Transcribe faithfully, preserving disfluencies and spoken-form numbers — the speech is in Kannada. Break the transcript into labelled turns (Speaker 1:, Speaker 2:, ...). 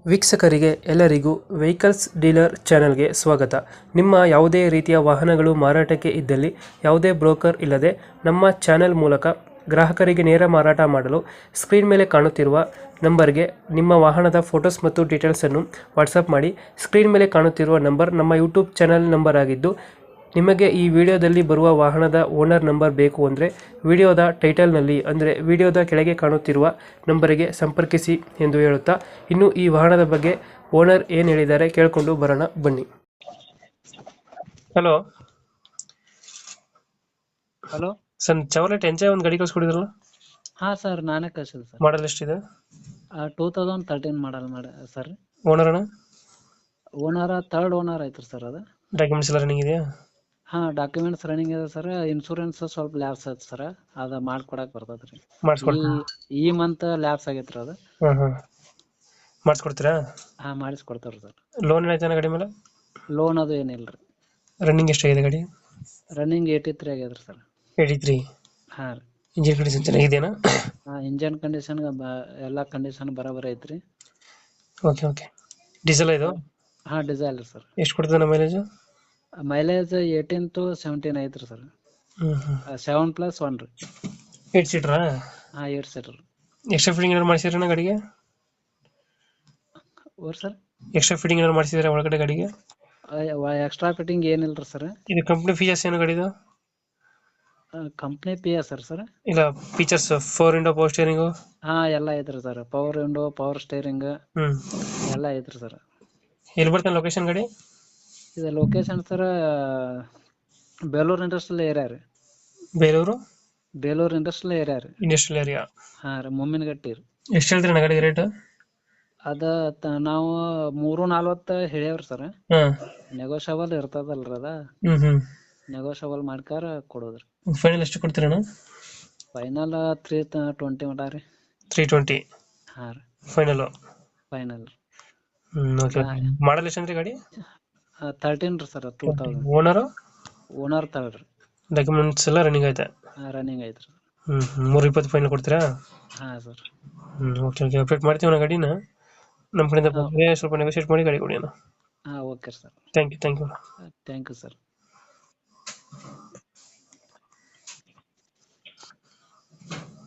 Speaker 1: ವೀಕ್ಷಕರಿಗೆ ಎಲ್ಲರಿಗೂ ವೆಹಿಕಲ್ಸ್ ಡೀಲರ್ ಚಾನೆಲ್ಗೆ ಸ್ವಾಗತ. ನಿಮ್ಮ ಯಾವುದೇ ರೀತಿಯ ವಾಹನಗಳು ಮಾರಾಟಕ್ಕೆ ಇದ್ದಲ್ಲಿ ಯಾವುದೇ ಬ್ರೋಕರ್ ಇಲ್ಲದೆ ನಮ್ಮ ಚಾನೆಲ್ ಮೂಲಕ ಗ್ರಾಹಕರಿಗೆ ನೇರ ಮಾರಾಟ ಮಾಡಲು ಸ್ಕ್ರೀನ್ ಮೇಲೆ ಕಾಣುತ್ತಿರುವ ನಂಬರ್ಗೆ ನಿಮ್ಮ ವಾಹನದ ಫೋಟೋಸ್ ಮತ್ತು ಡೀಟೇಲ್ಸನ್ನು ವಾಟ್ಸಪ್ ಮಾಡಿ. ಸ್ಕ್ರೀನ್ ಮೇಲೆ ಕಾಣುತ್ತಿರುವ ನಂಬರ್ ನಮ್ಮ ಯೂಟ್ಯೂಬ್ ಚಾನೆಲ್ ನಂಬರ್ ಆಗಿದ್ದು, ನಿಮಗೆ ಈ ವಿಡಿಯೋದಲ್ಲಿ ಬರುವ ವಾಹನದ ಓನರ್ ನಂಬರ್ ಬೇಕು ಅಂದರೆ ವಿಡಿಯೋದ ಟೈಟಲ್ನಲ್ಲಿ ಅಂದರೆ ವಿಡಿಯೋದ ಕೆಳಗೆ ಕಾಣುತ್ತಿರುವ ನಂಬರಿಗೆ ಸಂಪರ್ಕಿಸಿ ಎಂದು ಹೇಳುತ್ತಾ, ಇನ್ನು ಈ ವಾಹನದ ಬಗ್ಗೆ ಓನರ್ ಏನು ಹೇಳಿದ್ದಾರೆ ಕೇಳಿಕೊಂಡು ಬರೋಣ ಬನ್ನಿ. Hello
Speaker 2: hello
Speaker 1: sir, Chevrolet enjoy ಒಂದು ಗಾಡಿ ಕಳ್ಸ್ಕೊಡಿದ್ರಲ್ಲ,
Speaker 2: ಹಾ ಸರ್, ನಾನೇ ಕಳ್ಸಿದೆ ಸರ್.
Speaker 1: ಮಾಡಲ್ ಎಷ್ಟಿದೆ?
Speaker 2: ಟೂ ತೌಸಂಡ್ ತರ್ಟೀನ್ ಮಾಡಲ್ ಮಾಡ ಸರ್.
Speaker 1: ಓನರ್ ಅಣ್ಣ?
Speaker 2: ಓನರ್ ಥರ್ಡ್ ಓನರ್ ಐತ್ರಿ ಸರ್. ಅದು
Speaker 1: ಡಾಕ್ಯುಮೆಂಟ್ಸ್ ಎಲ್ಲ ರನ್ನಿಂಗ್ ಇದೆಯಾ?
Speaker 2: ಹಾ, ಡಾಕ್ಯುಮೆಂಟ್ಸ್ ರನ್ನಿಂಗ್ ಇದೆ ಸರ್. ಇನ್ಶೂರೆನ್ಸ್ ಸ್ವಲ್ಪ ಲ್ಯಾಬ್ಸ್ ಐತೆ ಸರ್, ಅದ ಮಾಡ್ಕೊಡಕ್ ಬರ್ತದ್ರಿ.
Speaker 1: ಮಾಡಿಸ್ಕೊಡ್ತೀರಾ?
Speaker 2: ಈ ಈ ಮಂತ್ ಲ್ಯಾಬ್ಸ್ ಆಗೈತ್ರಿ ಅದು.
Speaker 1: ಹಾಂ ಹಾಂ ಮಾಡಿಸ್ಕೊಡ್ತೀರಾ?
Speaker 2: ಹಾ, ಮಾಡಿಸ್ಕೊಡ್ತಾವ್ರಿ ಸರ್.
Speaker 1: ಲೋನ್ ಏನಾಯ್ತಾನ ಗಾಡಿ ಮೇಲೆ?
Speaker 2: ಲೋನ್ ಅದು ಏನಿಲ್ರಿ.
Speaker 1: ರನ್ನಿಂಗ್ ಎಷ್ಟಾಗಿದೆ ಗಾಡಿ?
Speaker 2: ರನ್ನಿಂಗ್ ಏಯ್ಟಿ ತ್ರೀ ಆಗ್ಯದ್ರಿ ಸರ್.
Speaker 1: Eighty three.
Speaker 2: ಹಾ ರೀ.
Speaker 1: ಇಂಜಿನ್ ಕಂಡೀಷನ್ ಚೆನ್ನಾಗಿದೆಯಾ?
Speaker 2: ಹಾ, ಇಂಜನ್ ಕಂಡೀಷನ್ ಎಲ್ಲಾ ಕಂಡೀಷನ್ ಬರಾಬರಿ ಐತ್ರಿ.
Speaker 1: Okay okay. ಡೀಸೆಲ್ ಇದು?
Speaker 2: ಹಾ, ಡಿಸೈಲ್ ಸರ್.
Speaker 1: ಎಷ್ಟು ಕೊಡ್ತದೆ ನಮ್ಮ mileage?
Speaker 2: Mileage eighteen to seventeen ಐತ್ರಿ ಸರ್.
Speaker 1: ಹ್ಞೂ ಹ್ಞೂ
Speaker 2: ಸೆವೆನ್ ಪ್ಲಸ್ ಒನ್ ರೀ.
Speaker 1: ಏಟ್ ಸೀಟ್ರಾ?
Speaker 2: ಹಾ, ಏಟ್ ಸೀಟರ್.
Speaker 1: ಎಕ್ಸ್ಟ್ರಾ ಫಿಟ್ಟಿಂಗ್ ಏನಾದ್ರು ಮಾಡಿಸಿದ್ರಣ್ಣ ಗಾಡಿಗೆ?
Speaker 2: ಓರ್ ಸರ್,
Speaker 1: ಎಕ್ಸ್ಟ್ರಾ ಫಿಟ್ಟಿಂಗ್ ಏನಾದ್ರು ಮಾಡಿಸಿದ್ರೆ ಒಳಗಡೆ ಗಾಡಿಗೆ?
Speaker 2: ಎಕ್ಸ್ಟ್ರಾ ಫಿಟ್ಟಿಂಗ್ ಏನಿಲ್ರಿ ಸರ್.
Speaker 1: ಇದು ಕಂಪ್ನಿ ಫೀಚರ್ಸ್ ಏನು ಗಾಡಿದು?
Speaker 2: Company P S sir sir.
Speaker 1: ಇಲ್ಲ, ಫೀಚರ್ಸ್ ಫೋರ್ ಇಂಡೋ ಪವರ್ ಸ್ಟೇರಿಂಗು?
Speaker 2: ಹಾ, ಎಲ್ಲ ಐತ್ರಿ sir. Power window, power steering
Speaker 1: ಹ್ಞೂ
Speaker 2: ಎಲ್ಲ ಐತ್ರಿ ಸರ್.
Speaker 1: ಎಲ್ಲಿ ಬರ್ತಾನೆ ಲೊಕೇಶನ್ ಗಾಡಿ?
Speaker 2: ಇದು location sir, Belur industrial area ರೀ.
Speaker 1: ಬೇಲೂರು
Speaker 2: ಬೇಲೂರು ಇಂಡಸ್ಟ್ರಿಯಲ್ ಏರಿಯಾ ರೀ.
Speaker 1: Industrial area.
Speaker 2: ಹಾ ರೀ, ಮುಮ್ಮಿನಗಟ್ಟಿ ರೀ.
Speaker 1: ಎಷ್ಟು ಹೇಳ್ತೀರಣ್ಣ ಗಾಡಿಗೆ ರೇಟ್?
Speaker 2: ಅದ ತ- ನಾವು ಮೂರು ನಲ್ವತ್ತು ಹೇಳ್ಯಾವ್ರಿ ಸರ್.
Speaker 1: ಹಾಂ.
Speaker 2: ನೆಗೋಷಿಯಬಲ್ ಇರ್ತದಲ್ರಿ ಅದ.
Speaker 1: ಹ್ಞೂ ಹ್ಞೂ
Speaker 2: ನೆಗೋಷಿಯಬಲ್ ಮಾಡ್ಕಾರ ಕೊಡೋದ್ರಿ.
Speaker 1: ಫೈನಲ್ ಎಷ್ಟು ಕೊಡ್ತೀರಣ್ಣ?
Speaker 2: ಫೈನಲ್ ತ್ರೀ ಟ್ವೆಂಟಿ ಮಟ ರೀ.
Speaker 1: ತ್ರೀ ಟ್ವೆಂಟಿ
Speaker 2: ಹಾ ರೀ,
Speaker 1: ಫೈನಲು?
Speaker 2: ಫೈನಲ್.
Speaker 1: ಹ್ಞೂ ಓಕೆ ಓಕೆ. ಮಾಡಲ್ ಎಷ್ಟು ಅಂದ್ರೆ ಗಾಡಿ?
Speaker 2: ತರ್ಟೀನ್ ರೀ sir, two thousand.
Speaker 1: Owner?
Speaker 2: Owner third ರೀ.
Speaker 1: ಡಾಕ್ಯುಮೆಂಟ್ಸ್ ಎಲ್ಲ ರನ್ನಿಂಗ್ ಐತೆ?
Speaker 2: ರನ್ನಿಂಗ್ ಐತ್ರಿ.
Speaker 1: ಹ್ಞೂ ಮೂರು ಇಪ್ಪತ್ತು ಫೈನಲ್ ಕೊಡ್ತೀರಾ?
Speaker 2: ಹಾ ಸರ್.
Speaker 1: ಹ್ಞೂ ಓಕೆ ಓಕೆ. ಅಪ್ಡೇಟ್ ಮಾಡ್ತೀವಿ ನಾ ಗಾಡಿನ. ನಮ್ಮ ಕಡೆಯಿಂದ ಬಂದರೆ ಸ್ವಲ್ಪ ನೆಗೋಷಿಯೇಟ್ ಮಾಡಿ ಗಾಡಿ ಕೊಡಿ ಅಣ್ಣ.
Speaker 2: ಹಾ, okay sir.
Speaker 1: Thank you thank you.
Speaker 2: Thank you sir.